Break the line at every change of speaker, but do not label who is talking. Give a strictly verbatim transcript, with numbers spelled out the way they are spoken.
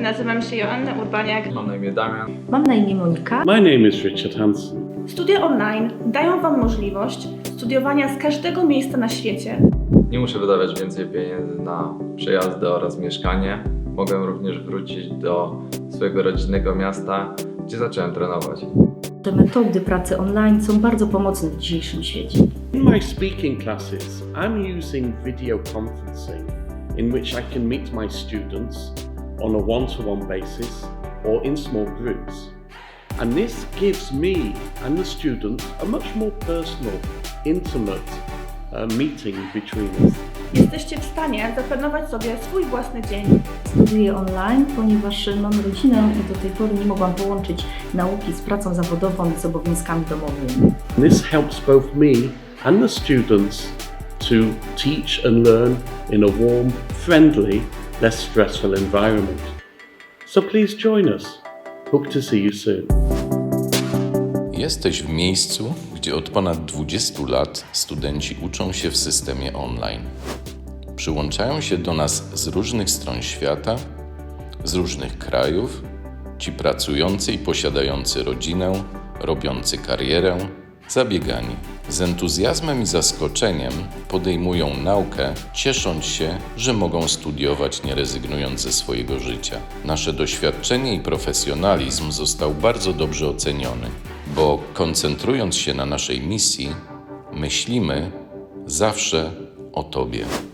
Nazywam się Joanna Urbaniak.
Mam na imię Damian.
Mam na imię Monika.
My name is Richard Hansen.
Studia online dają Wam możliwość studiowania z każdego miejsca na świecie.
Nie muszę wydawać więcej pieniędzy na przejazdy oraz mieszkanie. Mogę również wrócić do swojego rodzinnego miasta, gdzie zacząłem trenować.
Te metody pracy online są bardzo pomocne w dzisiejszym świecie.
In my speaking classes, I'm using video conferencing in which I can meet my students on a one-to-one basis or in small groups. And this gives me and the students a much more personal, intimate uh, meeting between us.
Jesteście w stanie zaplanować sobie swój własny dzień.
Studiuję online, ponieważ mam rodzinę i do tej pory nie mogłam połączyć nauki z pracą zawodową i z obowiązkami domowymi.
This helps both me and the students to teach and learn in a warm, friendly, less stressful environment. So please join us. Hope to see you soon.
Jesteś w miejscu, gdzie od ponad dwudziestu lat studenci uczą się w systemie online. Przyłączają się do nas z różnych stron świata, z różnych krajów, ci pracujący i posiadający rodzinę, robiący karierę, zabiegani. Z entuzjazmem i zaskoczeniem podejmują naukę, ciesząc się, że mogą studiować, nie rezygnując ze swojego życia. Nasze doświadczenie i profesjonalizm został bardzo dobrze oceniony, bo koncentrując się na naszej misji, myślimy zawsze o Tobie.